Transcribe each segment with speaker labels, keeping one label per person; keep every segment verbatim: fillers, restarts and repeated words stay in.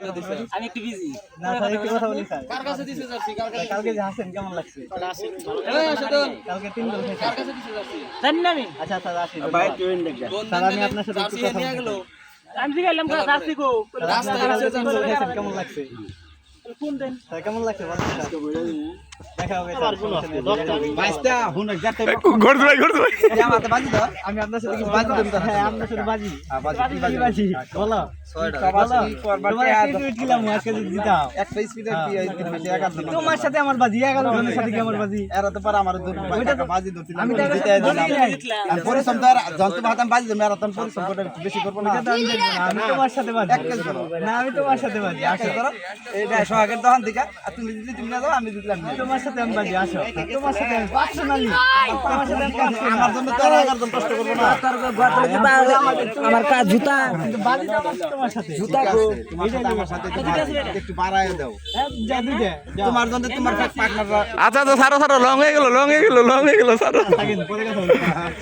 Speaker 1: আমি একটু বিজি
Speaker 2: না স্যার একটু কথা বলি স্যার
Speaker 3: কার কাছে দিছে জার্সি কার কাছে
Speaker 2: কালকে যে হাসেন কেমন লাগছে
Speaker 3: এই আসদন
Speaker 2: কালকে তিন গোল খেয়েছেন
Speaker 3: কার কাছে দিছে জার্সি
Speaker 1: জানি না আমি
Speaker 2: আচ্ছা স্যার আসি
Speaker 4: ভাই ট্রেন দেখে
Speaker 2: স্যার আমি আপনার সাথে একটু
Speaker 3: জার্সি
Speaker 2: কথা
Speaker 3: নিয়ে গেল
Speaker 2: বলতে
Speaker 1: আমি জিগাইলাম না রাস্তি কো
Speaker 3: রাস্তায়
Speaker 2: কালকে
Speaker 3: আছে
Speaker 2: তিন গোল খেয়েছেন কেমন লাগছে
Speaker 1: ফোন দেন
Speaker 2: স্যার কেমন লাগছে বলেন স্যার দেখা হবে স্যার
Speaker 4: বাইশটা হুন যাতে
Speaker 5: ঘুরতে ভাই ঘুরতে ভাই
Speaker 4: আমাতে বাজি দাও
Speaker 2: আমি আপনার সাথে কিছু বাজি দেব হ্যাঁ আপনার সাথে বাজি
Speaker 4: বাজি
Speaker 2: বাজি বাজি বলো
Speaker 4: ছয়টা
Speaker 2: বলো
Speaker 4: বাজি করবার
Speaker 2: তোমার একটা টুইট দিলাম আজকে যদি দিতাও
Speaker 4: একটা স্পিডে কি এই তিন মাসে একা দিন
Speaker 2: তোমার সাথে আমার বাজি এগারো জনের সাথে কি আমার বাজি
Speaker 4: এরা তো পারে আমার দূর টাকা বাজি ধরছিলাম
Speaker 2: আমি টাকা
Speaker 4: জিতে দিলাম আর পরিশ্রম তো আর যন্ত্র ভাতাম বাজি দেব এরা তো পরিশ্রম করে একটু বেশি করব না
Speaker 2: এটা তো আমি দেখবো না, আমি তোমার সাথে বাজি না আমি তোমার সাথে বাজি আসো
Speaker 4: করো এইটা সোহাগের দোকান থেকে আর তুমি দিলে তুমি না দাও আমি দিলাম না
Speaker 2: তোমার সাথে আমি বাজি আসো তোমার সাথে পার্সোনালি তোমার সাথে আমি কাজ করি না।
Speaker 4: আমার জন্য তো আর এগারো জন কষ্ট করব না
Speaker 1: আমার কাজ জুতা
Speaker 2: কিন্তু বাজি দাও তোমার সাথে
Speaker 4: জুতা তোমার সাথে আমার সাথে একটু বাড়ায়- একটু বাড়ায় দাও
Speaker 2: হ্যাঁ, যা দিতে
Speaker 4: তোমার জন্য তোমার পার্টনাররা
Speaker 5: আচ্ছা আচ্ছা সারো সারো লং হয়ে গেল লং হয়ে গেল লং হয়ে গেল সারো
Speaker 2: থাকেন পরে কথা বলবো।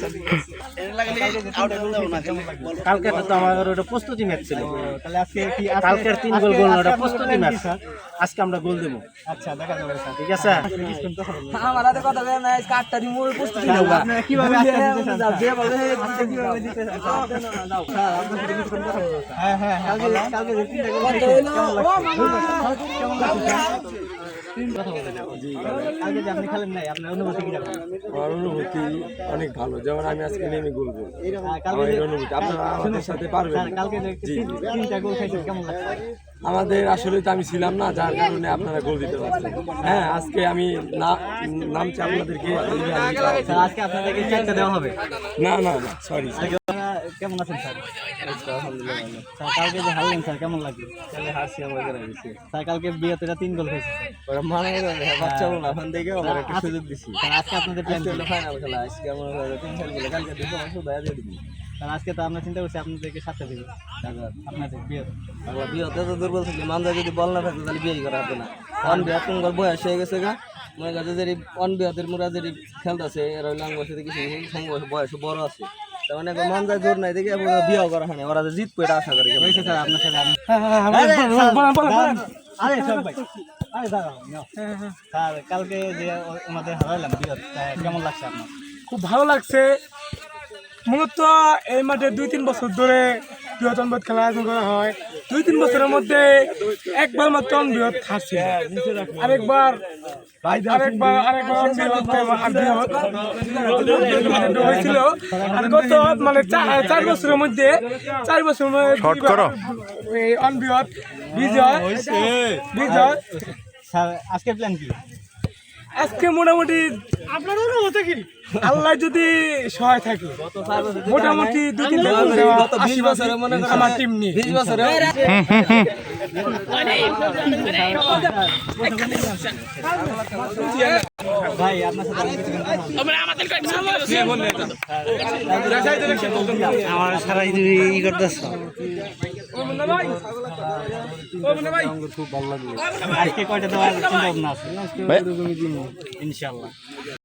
Speaker 6: কালকে তো আমার ওটা প্রস্তুতি ম্যাচ ছিল
Speaker 2: তাহলে আজকে কি আজকে-
Speaker 6: কালকের তিন গোল
Speaker 2: আজকে-
Speaker 6: গোল না,
Speaker 2: আজকে
Speaker 6: ওটা
Speaker 2: আপনার
Speaker 6: প্রস্তুতি
Speaker 2: plan
Speaker 6: ম্যাচ
Speaker 2: কি, স্যার?
Speaker 6: আজকে আমরা গোল দেবো
Speaker 2: আচ্ছা দেখা যাবে স্যার
Speaker 6: ঠিক আছে
Speaker 2: আসলে কিছুক্ষণ কথা বলবো।
Speaker 1: আমার হাতে কথা বলে না কাটটা দিমু প্রস্তুতি
Speaker 2: স্যার,
Speaker 1: নাও
Speaker 2: আপনারা কিভাবে আজকে দিতে চান, স্যার?
Speaker 1: যে বলে
Speaker 2: আজকে কিভাবে দিতে চান, স্যার? স্যার, আপনার সাথে কিছুক্ষণ কথা বলবো, স্যার। হ্যাঁ, হ্যাঁ, কালকে কালকে যে তিনটা গোল খেয়েছেন, কেমন লাগছে? কেমন লাগছে, স্যার? তিন কথা বলে যাও। কালকে যে আপনি খেলেন নাই, আপনার অনুভূতি কি রকম?
Speaker 7: আমার অনুভূতি অনেক ভালো, যেমন আমি আজকে নেমে গোল করবো।
Speaker 2: আহ, কালকে
Speaker 7: আমার এই
Speaker 2: যে-
Speaker 7: অনুভূতি আপনারা আমাদের
Speaker 2: শুনুন,
Speaker 7: সাথে পারবেন।
Speaker 2: স্যার, কালকে যে তিন- তিনটা গোল খাইছেন, কেমন লাগছে?
Speaker 7: আমাদের আসলে তো আমি ছিলাম না, যার কারণে আপনারা গোল দিতে পারছেন। হ্যাঁ, আজকে আমি না নামছি আপনাদেরকে
Speaker 2: স্যার, আজকে আপনাদেরকে চারটা দেওয়া হবে।
Speaker 7: না না না সরি
Speaker 2: আপনারা কেমন আছেন স্যার? স্যার, কালকে যে হারলেন স্যার, কেমন লাগলো? স্যার, কালকে বিয়েতে তিন গোল খেয়েছে স্যার।
Speaker 4: বাচ্চা বলা ওখান থেকে আমার একটা সুযোগ দিছি
Speaker 2: স্যার, আজকে আপনাদের প্ল্যান কি?
Speaker 4: ফাইনাল খেলা আজকে আমার তিন খেলা খেলা কালকে দেখো আমার শুধু দিয়ে দিবি
Speaker 2: স্যার, আজকে তো আমরা চিন্তা করছি আপনাদেরকে সাতটা দিব আপনাদের বিয়ে।
Speaker 4: আমরা বিয়েতে তো দুর্বল থাকি মান্দা যদি বল না থাকতো তাহলে বিয়ে করা হতো না অন বিয়া তোমার বয়স হয়ে গেছে গা মনে কাছে যে অন বিয়াদের মোরা যে খেলতেছে এরা লাং বয়সে কিছু সঙ্গ বয়স বড় আছে তার মানে মন যায় জোর নাই দেখে বিয়ে করা হয় না ওরা যে জিতবো এটা আশা করি
Speaker 2: হয়েছে স্যার আপনার সাথে আমি- আরে, স্যার, দাঁড়ান। আরে সব ভাই আরে দাঁড়াও নাও। স্যার, কালকে যে ও- ওনাদের হারালাম বিয়ে, কেমন লাগছে আপনার?
Speaker 8: খুব ভালো লাগছে। মূলত এই মাঠে দুই তিন বছর ধরে বৃহৎ অনবৃহৎ খেলা আয়োজন করা হয়। দুই তিন বছরের মধ্যে একবার মাত্র অনবৃহৎ হারছে, আরেকবার আরেকবার আরেকবার অনবৃহৎ আর বৃহৎ হয়েছিল। আর গত মানে চা- চার বছরের মধ্যে চার বছরের মধ্যে
Speaker 5: শর্ট করো।
Speaker 8: এই অনবৃহৎ বিজয় বিজয়
Speaker 2: স্যার, আজকে প্ল্যান কি?
Speaker 8: আজকে মোটামুটি আপনার অনুমতি কি আল্লাহ যদি সহায় থাকে মোটামুটি দুই তিন
Speaker 4: বিশ বছরে মনে করেন
Speaker 8: আমার টিম নিয়ে
Speaker 4: বিশ বছরে
Speaker 2: ভাই আপনার সাথে আমি কিছুক্ষণ কথা বলবো।
Speaker 6: আমার সারাই ই করতেছ
Speaker 2: আজকে কয়টা দেওয়ার চিন্তা ভাবনা আছে? ইনশাআল্লাহ।